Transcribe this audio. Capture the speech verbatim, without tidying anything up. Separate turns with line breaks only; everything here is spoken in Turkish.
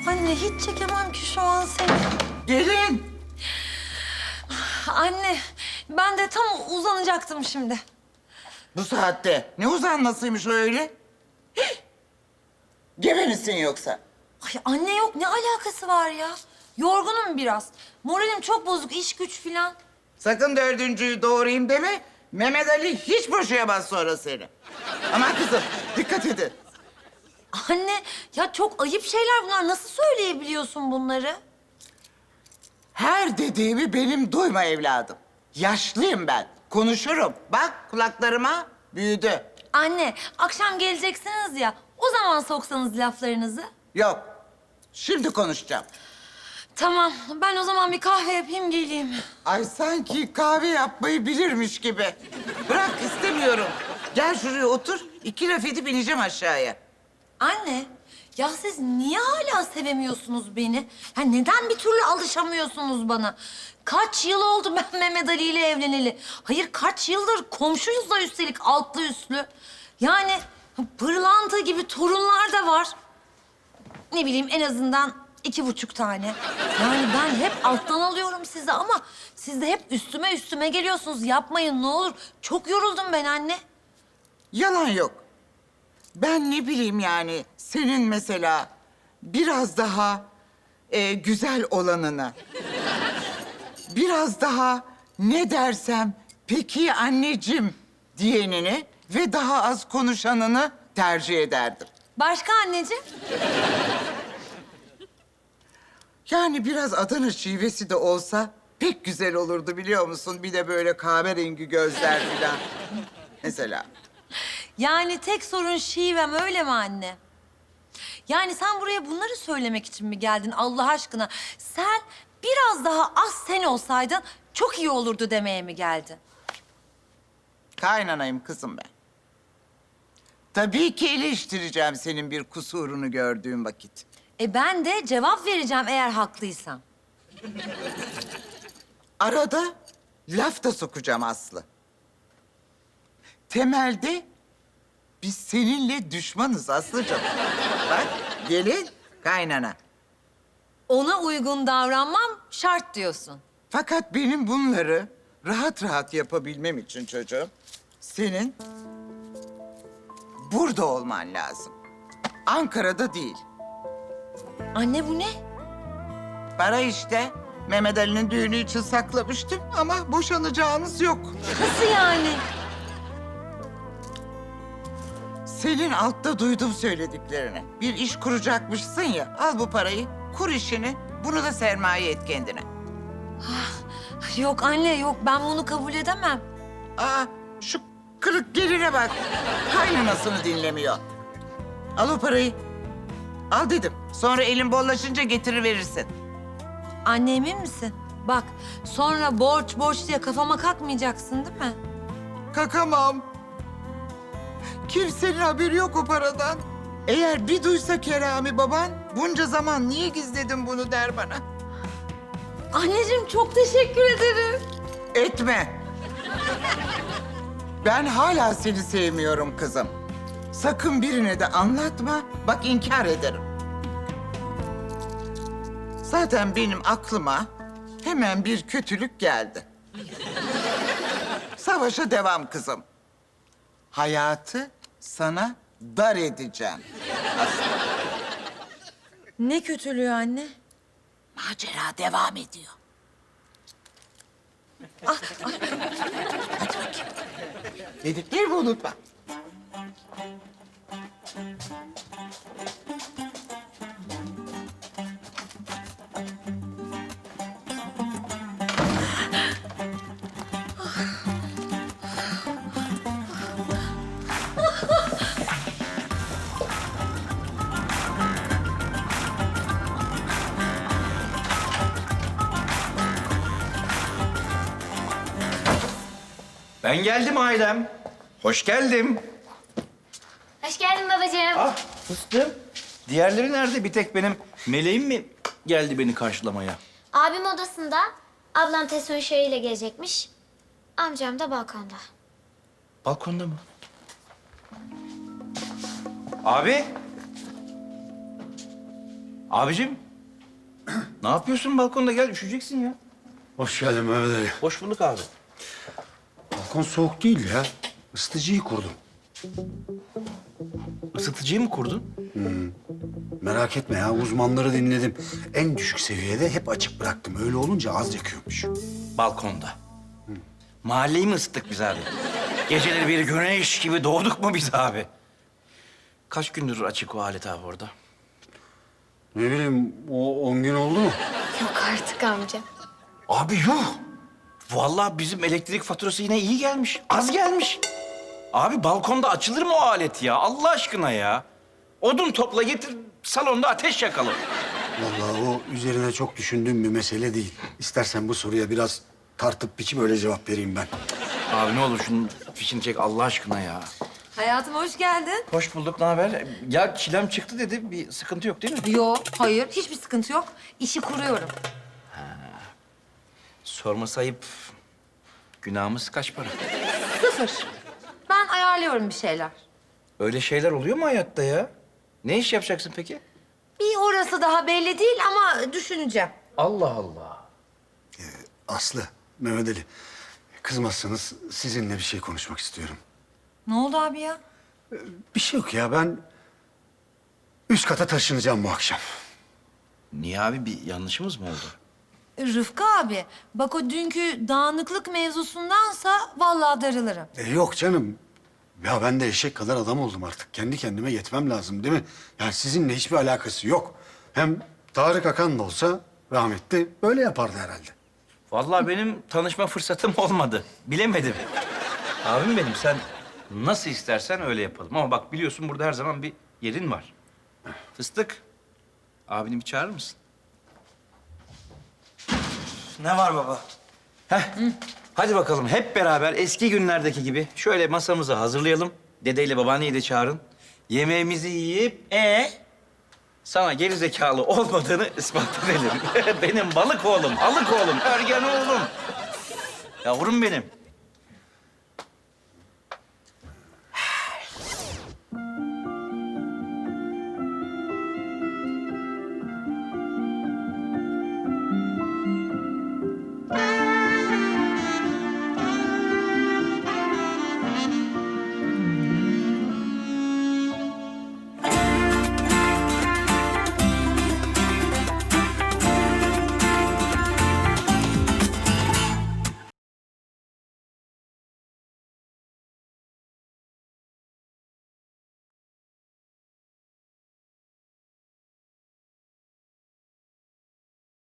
Anne hiç çekemem ki şu an seni.
Gelin.
Anne ben de tam uzanacaktım şimdi.
Bu saatte ne uzanmasıymış o öyle? Hih! Gebe misin yoksa?
Ay anne yok ne alakası var ya? Yorgunum biraz. Moralim çok bozuk iş güç filan.
Sakın dördüncüyü doğurayım deme. Mehmet Ali hiç boşayamaz sonra seni. Aman kızım dikkat edin.
Anne ya çok ayıp şeyler bunlar. Nasıl söyleyebiliyorsun bunları?
Her dediğimi benim duyma evladım. Yaşlıyım ben. Konuşurum. Bak kulaklarıma büyüdü.
Anne akşam geleceksiniz ya. O zaman soksanız laflarınızı.
Yok. Şimdi konuşacağım.
Tamam ben o zaman bir kahve yapayım geleyim.
Ay sanki kahve yapmayı bilirmiş gibi. Bırak istemiyorum. Gel şuraya otur. İki laf edip ineceğim aşağıya.
Anne ya siz niye hala sevemiyorsunuz beni? Ya neden bir türlü alışamıyorsunuz bana? Kaç yıl oldu ben Mehmet Ali ile evleneli? Hayır kaç yıldır komşuyuz da üstelik altlı üstlü. Yani pırlanta gibi torunlar da var. Ne bileyim en azından iki buçuk tane. Yani ben hep alttan alıyorum sizi ama siz de hep üstüme üstüme geliyorsunuz. Yapmayın ne olur. Çok yoruldum ben anne.
Yalan yok. Ben ne bileyim yani senin mesela biraz daha e, güzel olanını, biraz daha ne dersem peki anneciğim diyenini ve daha az konuşanını tercih ederdim.
Başka anneciğim?
Yani biraz Adana şivesi de olsa pek güzel olurdu biliyor musun? Bir de böyle kahverengi gözler falan. Mesela.
Yani tek sorun şivem öyle mi anne? Yani sen buraya bunları söylemek için mi geldin Allah aşkına? Sen biraz daha az sen olsaydın çok iyi olurdu demeye mi geldin?
Kaynanayım kızım ben. Tabii ki eleştireceğim senin bir kusurunu gördüğüm vakit.
E ben de cevap vereceğim eğer haklıysam.
Arada laf da sokacağım Aslı. Temelde biz seninle düşmanız Aslıcığım. Bak gelin kaynana.
Ona uygun davranmam şart diyorsun.
Fakat benim bunları rahat rahat yapabilmem için çocuğum, senin burada olman lazım. Ankara'da değil.
Anne bu ne?
Para işte. Mehmet Ali'nin düğünü için saklamıştım ama boşanacağınız yok.
Nasıl yani?
Senin altta duydum söylediklerini. Bir iş kuracakmışsın ya, al bu parayı, kur işini, bunu da sermaye et kendine.
Yok anne yok ben bunu kabul edemem.
Aa, şu kırık geline bak, kaynanasını dinlemiyor. Al o parayı, al dedim. Sonra elin bollaşınca getirir verirsin.
Anne emin misin? Bak sonra borç borç diye kafama kalkmayacaksın değil mi?
Kakamam. Kimsenin haberi yok o paradan. Eğer bir duysa Kerami baban, bunca zaman niye gizledin bunu der bana.
Anneciğim çok teşekkür ederim.
Etme. Ben hala seni sevmiyorum kızım. Sakın birine de anlatma, bak inkar ederim. Zaten benim aklıma hemen bir kötülük geldi. Savaşa devam kızım. Hayatı sana dar edeceğim.
Ne kötülüğü anne?
Macera devam ediyor.
Ah,
Hadi bakayım. Dediklerimi unutma.
Ben geldim ailem. Hoş geldim.
Hoş geldin babacığım.
Ah fıstığım. Diğerleri nerede? Bir tek benim meleğim mi geldi beni karşılamaya?
Abim odasında, ablam Tesun ile gelecekmiş. Amcam da balkonda.
Balkonda mı? Abi. Abicim, ne yapıyorsun balkonda? Gel, üşüyeceksin ya.
Hoş geldin Mehmet Ali.
Hoş bulduk abi.
Balkon soğuk değil ya. Isıtıcıyı kurdum.
Isıtıcıyı mı kurdun?
Merak etme ya, uzmanları dinledim. En düşük seviyede hep açık bıraktım. Öyle olunca az yakıyormuş.
Balkonda. Mahalleyi mi ısıttık biz abi? Geceleri bir güneş gibi doğduk mu biz abi? Kaç gündür açık o alet abi orada?
Ne bileyim, o on gün oldu mu?
Yok artık amca.
Abi yuh! Vallahi bizim elektrik faturası yine iyi gelmiş. Az gelmiş. Abi balkonda açılır mı o alet ya? Allah aşkına ya. Odun topla getir, salonda ateş yakalım.
Vallahi o üzerine çok düşündüğüm bir mesele değil. İstersen bu soruya biraz tartıp biçip öyle cevap vereyim ben.
Abi ne olur şunun fişini çek Allah aşkına ya.
Hayatım hoş geldin.
Hoş bulduk, ne haber? Ya çilem çıktı dedi, bir sıkıntı yok değil mi?
Yok, hayır. Hiçbir sıkıntı yok. İşi kuruyorum.
Sorması ayıp. Günahımız kaç para?
Sıfır. Ben ayarlıyorum bir şeyler.
Öyle şeyler oluyor mu hayatta ya? Ne iş yapacaksın peki?
Bir orası daha belli değil ama düşüneceğim.
Allah Allah.
Aslı, Mehmet Ali, kızmazsanız sizinle bir şey konuşmak istiyorum.
Ne oldu abi ya?
Bir şey yok ya, ben üst kata taşınacağım bu akşam.
Niye abi, bir yanlışımız mı oldu?
Rıfkı abi, bak o dünkü dağınıklık mevzusundansa vallahi darılırım.
E, yok canım. Ya ben de eşek kadar adam oldum artık. Kendi kendime yetmem lazım değil mi? Yani sizinle hiçbir alakası yok. Hem Tarık Akan da olsa rahmetli böyle yapardı herhalde.
Vallahi benim tanışma fırsatım olmadı. Bilemedim. Abim benim, sen nasıl istersen öyle yapalım. Ama bak biliyorsun burada her zaman bir yerin var. Fıstık, abini bir çağırır mısın?
Ne var baba?
Heh. Hadi bakalım hep beraber eski günlerdeki gibi şöyle masamızı hazırlayalım. Dedeyle babaanneyi de çağırın. Yemeğimizi yiyip
Ee?
sana geri zekalı olmadığını ispat edelim. Benim balık oğlum, alık oğlum, örgen oğlum. Yavrum benim.